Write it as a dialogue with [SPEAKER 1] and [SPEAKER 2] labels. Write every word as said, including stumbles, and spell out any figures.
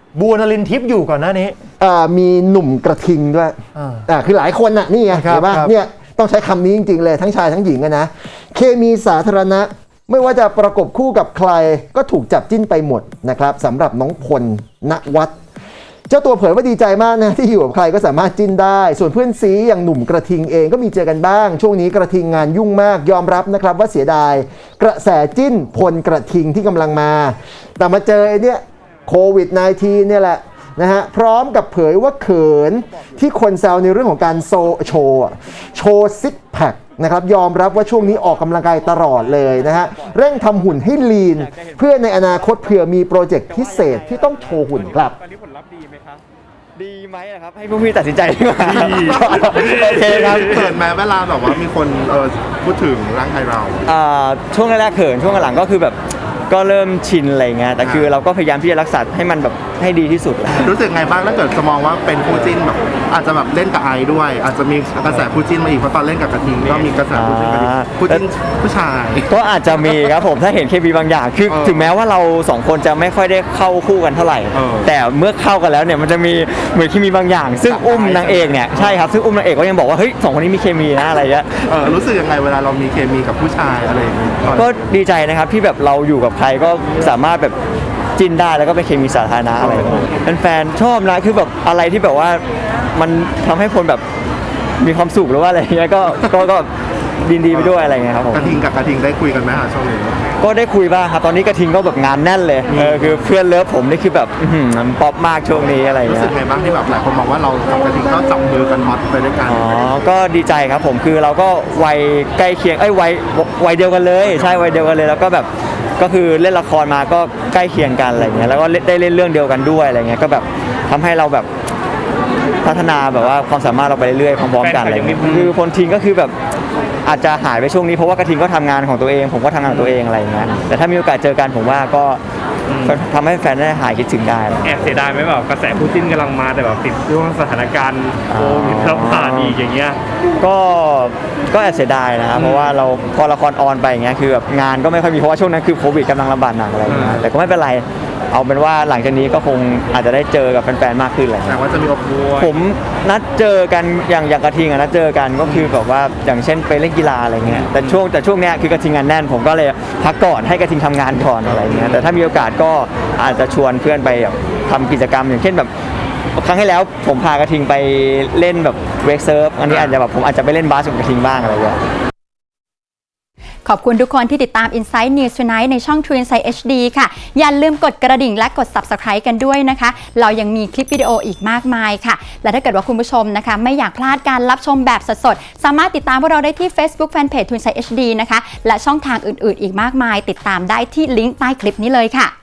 [SPEAKER 1] บัวนลินทิพย์อยู่ก่อนหน้านี้
[SPEAKER 2] มีหนุ่มกระทิงด้วยอ่าคือหลายคนน่ะนี่ไงเห็นป่ะเนี่ยต้องใช้คำนี้จริงๆเลยทั้งชายทั้งหญิงนะเคมีสาธารณะไม่ว่าจะประกบคู่กับใครก็ถูกจับจิ้นไปหมดนะครับสำหรับน้องพลณวัฒน์เจ้าตัวเผยว่าดีใจมากนะที่อยู่กับใครก็สามารถจิ้นได้ส่วนเพื่อนซีอย่างหนุ่มกระทิงเองก็มีเจอกันบ้างช่วงนี้กระทิงงานยุ่งมากยอมรับนะครับว่าเสียดายกระแสจิ้นพลกระทิงที่กำลังมาแต่มาเจอไอ้เนี่ยโควิด สิบเก้า เนี่ยแหละนะฮะพร้อมกับเผยว่าเขินที่คนแซวในเรื่องของการโซโชว์โชว์ซิกแพคนะครับยอมรับว่าช่วงนี้ออกกำลังกายตลอดเลยนะฮะเร่งทำหุ่นให้ลีนเพื่อในอนาคตเผื่อมีโปรเจกต์พิเศษที่ต้องโชว์หุ่นครับ
[SPEAKER 3] ตอนนี้ผลลัพธ์ดีไหมครับดีไหมครับให้พวกพี่ตัดสินใจดีกว่า
[SPEAKER 4] โอเคครับเขินแม้เวลาแบบว่ามีคนเออพูดถึงร่างกายเรา
[SPEAKER 3] ช่วงแรกๆเขินช่วงหลังก็คือแบบก็เริ่มชินอะไรเงี้ยแต่คือเราก็พยายามที่จะรักษาให้มันแบบให้ดีที่สุด
[SPEAKER 4] รู้สึกไงบ้างถ้าเกิดจะมองว่าเป็นคู่จิ้นแบบอาจจะแบบเล่นกับไอด้วยอาจจะมีกระแสคู่จิ้นมาอีกเพราะตอนเล่นกับกระทิงก็มีกระแสคู่จิ้นกับคู่จิ้นผู้ชาย
[SPEAKER 3] ก็อาจจะมีครับผมถ้าเห็นเคมีบางอย่างคือถึงแม้ว่าเราสองคนจะไม่ค่อยได้เข้าคู่กันเท่าไหร่แต่เมื่อเข้ากันแล้วเนี่ยมันจะมีเหมือนเคมีบางอย่างซึ่งอุ้มนางเอกเนี่ยใช่ครับซึ่งอุ้มนางเอกก็ยังบอกว่าเฮ้ยสองคนนี้มีเคมีนะอะไรเงี้ย
[SPEAKER 4] รู้สึกยังไงเวลาเรามีเคมีกับผู้ชายอะไรอย่างเงี้ย
[SPEAKER 3] ก็ดีใจนะครับที่แบบเราอยู่กับใครก็สามารถแบบจิ้นได้แล้วก็เป็นเคมีสาธารณะอะไรแฟนๆชอบนะคือแบบอะไรที่แบบว่ามันทำให้คนแบบมีความสุขหรือว่าอะไรเงี้ยก็ก็ก็ดีดีไปด้วยอะไรเงี้ยครับผม
[SPEAKER 4] กระทิงกับกระทิงได้คุยกันไหมฮะช่วงนี้
[SPEAKER 3] ก็ได้คุยบ้างครับตอนนี้กระทิงก็แบบงานแน่นเลยเออคือเพื่อนเลิฟผมนี่คือแบบมันป๊อปมากช่วงนี้อะไรเงี้ย
[SPEAKER 4] รู้สึกไงบ้างที่แบบหลายคนมองว่าเรากับกระทิงก็จับมือกันฮอตไปด้วยกัน
[SPEAKER 3] อ๋อก็ดีใจครับผมคือเราก็วัยใกล้เคียงเอ้ยวัยวัยเดียวกันเลยใช่วัยเดียวกันเลยแล้วก็แบบก็คือเล่นละครมาก็ใกล้เคียงกันอะไรเงี้ยแล้วก็ได้เล่นเรื่องเดียวกันด้วยอะไรเงี้ยก็แบบทำให้เราแบบพัฒนาแบบว่าความสามารถเราไปเรื่อยๆพร้อมๆกันอะไรเงี้ยคือพลทิงก็คือแบบอาจจะหายไปช่วงนี้เพราะว่ากระทิงก็ทำงานของตัวเองผมก็ทำงานของตัวเองอะไรเงี้ยแต่ถ้ามีโอกาสเจอกันผมว่าก็ทำให้แฟนได้หายคิดถึงได้
[SPEAKER 5] แอบเสียดายไหมแบบกระแสคู่จิ้นกำลังมาแต่แบบติดช่วงสถานการณ์โควิดระบาดอีกอย่างเงี้ย
[SPEAKER 3] ก็ก็แอบเสียดายนะครับเพราะว่าเราพอละครออนไปอย่างเงี้ยคือแบบงานก็ไม่ค่อยมีเพราะว่าช่วงนั้นคือโควิดกำลังระบาดหนักอะไรเงี้ยแต่ก็ไม่เป็นไรเอาเป็นว่าหลังจากนี้ก็คงอาจจะได้เจอกับแฟนๆมากขึ้นแหละ
[SPEAKER 4] แต่ว่าจะมีอบรม
[SPEAKER 3] ผมนัดเจอกันอย่างอย่างกระทิงอะนัดเจอกันก็คือแบบว่าอย่างเช่นไปเล่นกีฬาอะไรเงี้ยแต่ช่วงแต่ช่วงเนี้ยคือกระทิงงานแน่นผมก็เลยพักก่อนให้กระทิงทำงานก่อนอะไรเงี้ยแต่ถ้ามีโอกาสก็อาจจะชวนเพื่อนไปทำกิจกรรมอย่างเช่นแบบครั้งที่แล้วผมพากระทิงไปเล่นแบบเวกเซิร์ฟอันนี้อาจจะแบบผมอาจจะไปเล่นบาสกับกระทิงบ้างอะไรเงี้ย
[SPEAKER 6] ขอบคุณทุกคนที่ติดตาม Inside News Tonight ในช่อง True Insight เอช ดี ค่ะอย่าลืมกดกระดิ่งและกด Subscribe กันด้วยนะคะเรายังมีคลิปวิดีโออีกมากมายค่ะและถ้าเกิดว่าคุณผู้ชมนะคะไม่อยากพลาดการรับชมแบบสดๆสามารถติดตามพวกเราได้ที่ Facebook Fanpage True Insight เอช ดี นะคะและช่องทางอื่นๆอีกมากมายติดตามได้ที่ลิงก์ใต้คลิปนี้เลยค่ะ